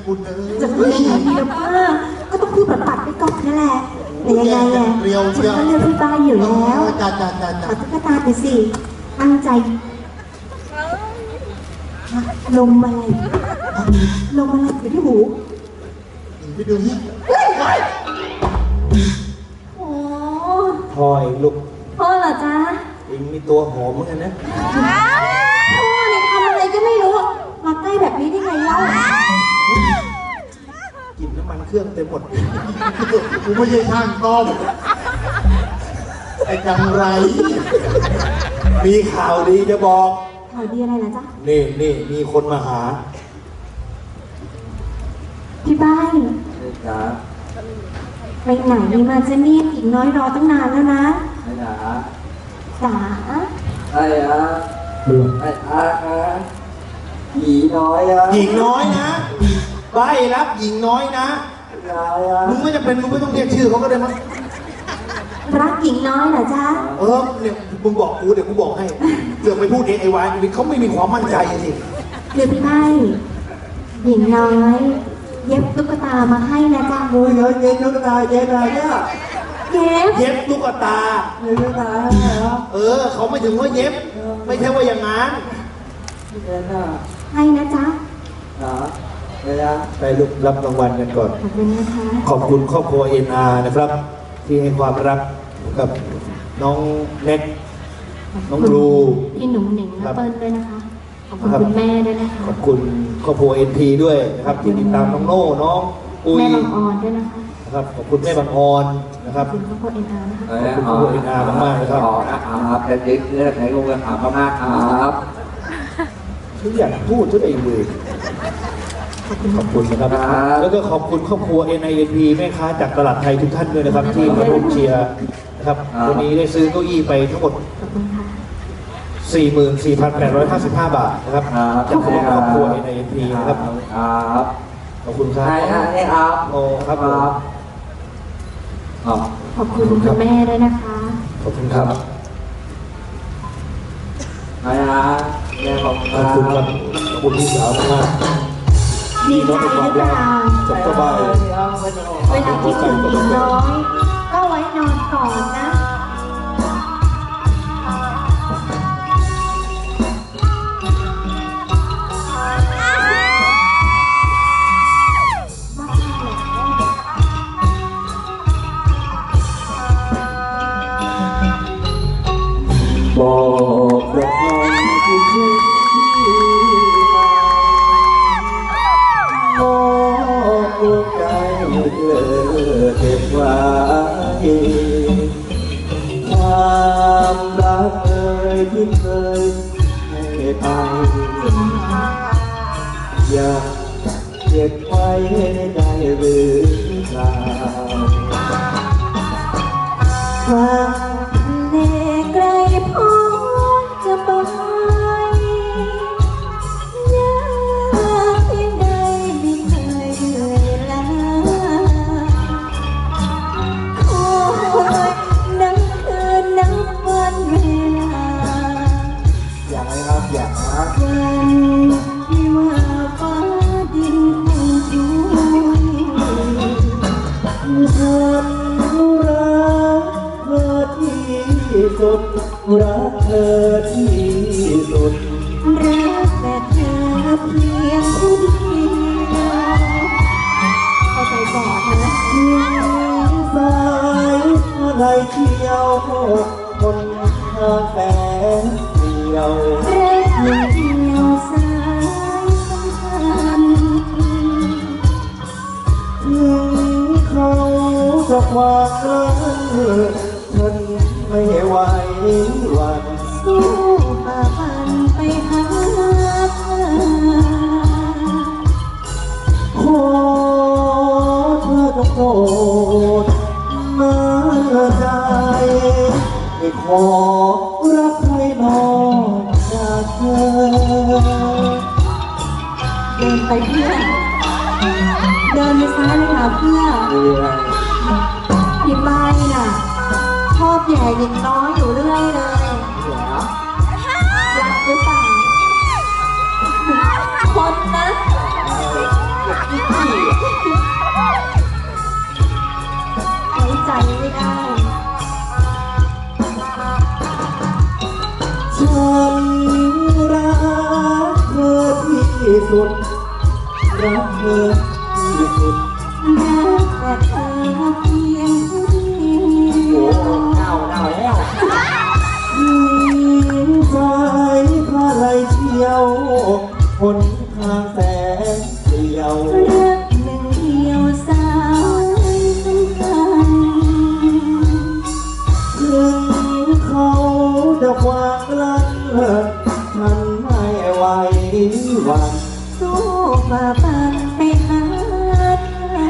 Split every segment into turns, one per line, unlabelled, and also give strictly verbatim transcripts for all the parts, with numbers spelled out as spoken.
คุณเออ
จะพูดยังไงดีล่ะป้าก็ต้องพูดปัดๆไปก่อนนั่นแหละแต่ยังไงอ่ะฉันก็เลือกพี่ป้าอยู่แล้วขอตุ๊กตาไปสิตั้งใจลมอะไรลมอะไรอยู่ที่หู
ไปดูนี่
โอ้
พ่อเองลูก
พ่อเหรอจ๊ะ
เองมีตัวหอมเหมือนกันนะ
พ่อเนี่ยทำอะไรก็ไม่รู้มาใกล้แบบนี้ได้ไงเล่า
กินน้ำมันเครื่องเต็มหมด
กูไม่ใช่ช่างต้มไอ้จังไร
มีข่าวดีจะบอก
ข่าวดีอะไรนะจ๊ะ
นี่นี่มีคนมาหา
พี่บ้าน
จ๋า
ไปไหนมาจะนี่อีกน้อยรอตั้งนานแล้วนะ
จ๋า
จ๋า
ไอ้อะไอ้อะหญิงน้อยอะ
หญิงน้อยนะใบรับหญิงน้อยนะมึงไม่จะเป็นมึงไม่ต้องเรียกชื่อเขาก็ได้มั้ง
รักหญิงน้อยเหรอจ๊ะ
เออเนี่ยมึงบอกกูเดี๋ยวกูบอกให้เดี๋ยวไปพูดเองไอ้วายเขาไม่มีความมั่นใจสิ
หรือพี่ไม่หญิงน้อยเย็บตุ๊กตามาให้นะจ๊ะ
โอ้ยเย็บตุ๊กตาเย็บอะไรเนี่ย
เย็บ
เย็บตุ๊กตา
เย็บตุ๊กตา
เออเขาไม่ถึงว่าเย็บไม่ใช่ว่าอย่างนั้น
ให้นะจ๊ะ
ไปลุกรับรางวัลกันก่อน
ขอบคุณนะคะ
ขอบคุณครอบครัว เอ็น อาร์ นะครับที่ให้ความรักกับน้องเน็ตน้องลู
พี่หนุ่มหนิงและเปิ้ลด้วยนะคะขอบคุณคุณแม่ด้วยนะคะ
ขอบคุณครอบครัว เอ็น พี ด้วยนะครับที่ติดตามน้องโน่น้อง
อุ้ยแม่บางออนด้วยนะคะ
นะครับขอบคุณแม่บางออนนะครับ
ขอบคุณครอบครัว เอ็น อาร์ นะคะ
ขอบคุณครอบครัว เอ็น อาร์ มากๆนะครับ
ครับแต่เด็กเลือกไหนก็จะถามมากครับ
ทุกอย่างพูดทุกเองเลยขอบคุณนะครับแล้วก็ขอบคุณครอบครัว เอ็น ไอ เอ็น พี แม่ค้าจากตลาดไทยทุกท่านด้วยนะครับที่มาร่วมเชียร์นะครับวันนี้ได้ซื้อเก้าอี้ไปทั้งหมด สี่หมื่นสี่พันแปดร้อยห้าสิบห้า บาทนะครับจากครอบครัว เอ็น ไอ เอ็น พี นะครับขอบคุณครับ
ใช่ครับ
โอ้ครับ
ขอบคุณคุณแม่ด้วยนะคะ
ขอบคุณครับ
ใช่ครับแม่ขอบคุณครับ
ขอบคุณพี่สาวมาก
ดีใจหรือเปล่า
สบาย
เวลาที่ถึงหญิงน้อยก็ไว้นอนก่อนนะ
บอกรักที่เคยบอกหัวใจเธอเก็บไว้ความรักเอ่ยที่เคยให้ไปอยากเก็บไว้ได้หรือเปล่า
เด็กไกลพ้นจะไปยากเพียงใดไม่เคยเหนื่อยล้าคอยนับคืนนับวันเวลา
อยากให้ครับอยากนะ
วันที่ว่าฟ้าดินคงช่วย
คนรักที่สุดรักเธอที่สุด
รักแต่เธอเพียงคนเดียวเข้าใจก่อนนะ
เพียงสายอะไรเที่ยวคนทางแสนเดียว
รักเดียวสายสัมพันธ์
ถึงเขาจะวางกันฉันไม่ไหววัน
สู้ฝ่าฟันไปหาเธอ
ขอเธอจงโปรดมาใจไม่ขอรักใครนอกจากเธอ
เดินไปเพื่อเดินไปซ้ายเลยค่ะเพื่อพี่ไม้น่ะชอบแย่หญิงน้อยอยู่เรื่อยเลยรักหรือเปล่าคนนะ
สุดรักเธอที่สุด
รักแต่เธอเพียงผู้เดียว
เน่าเน่าแล้ว
ใจพาไหลเชี่ยวหนทางแสนเดียว
รักหนึ่งเดียวสายสำคัญ
ถึงเขาจะวางลังฉันไม่ไหวหวัน
สู้ฝ่าฟันไปหาเธอ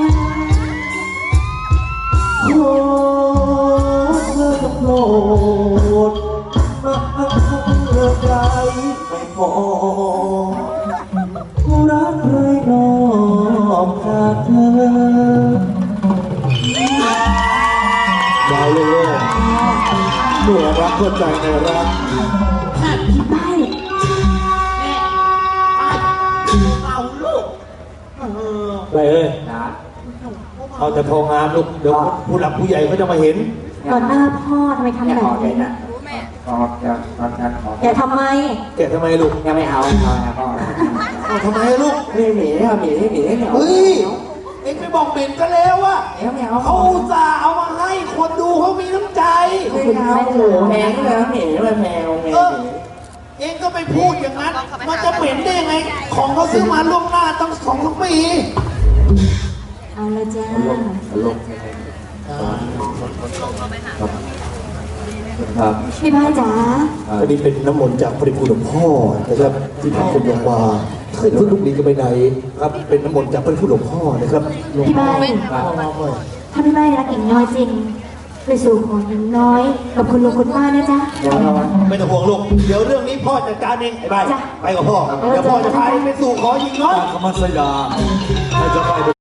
ขอเธอจงโปรดมาเลิกใจไม่พอรักใครนอกจากเธอ
ดาวเลยเมื่อรักก็ใจในรัก
พี่ใบ
เอาลูกเออ
ไปเอ้ย
นะ
เอาแต่พองานลูกเดี๋ยวผู้หลักผู้ใหญ่เขาจะมาเห็น
ต่อหน้าพ่อทำไมทำ
แม่
แบบ
ออกเลย
นี้
นะออกจะออกจะออก
อย่าทำไม
แกะทำไมลูก
ยังไม่เอาเอานะพ่อ
เอาทำไมลูก
ไม่หนีเอาหนีหนีเหนียว
เฮ้ยเอ็งไปบอกเบนก็แล้วอะ
เหนียวไม่เอา
เขาอุตส่าห์เอามาให้คนดูเขามีน้ำใจ
ไม่เอาโอ้โหแมวเลยหนีเลยแมวแม
เอ
ว
อ เองก็ไปพูดอย่างนั้น มันจะเหม็นได้ยังไง ของเขาซื้อมาล่วงหน้าตั้งสองสามปี
เอาละจ้า
ลงครับ
พี่ใบจ๋า
อันนี้เป็นน้ำมนต์จากพระเดชคุณหลวงพ่อนะครับที่พระคุณลงมาเคยพึ่งลูกดีกันไปไหนครับ เป็นน้ำมนต์จากพระเดชคุณหลวงพ่อนะครับ
พี่ใบถ้าพี่ใบรักหญิงน้อยจริงไปสู่ขอหญิงน้อย กับคุณลุงคุณป้านะจ๊ะ
เดี๋ยวเรา
ไม่ต้องห่วงลูก เดี๋ยวเรื่องนี้พ่อจัดการเองไอ้ใบ
จ้ะ
ไปกับพ่อ เดี๋ยวพ่อจะพาเองไปสู่ขอยิงน้อย
คำมัสยาให้เจะไป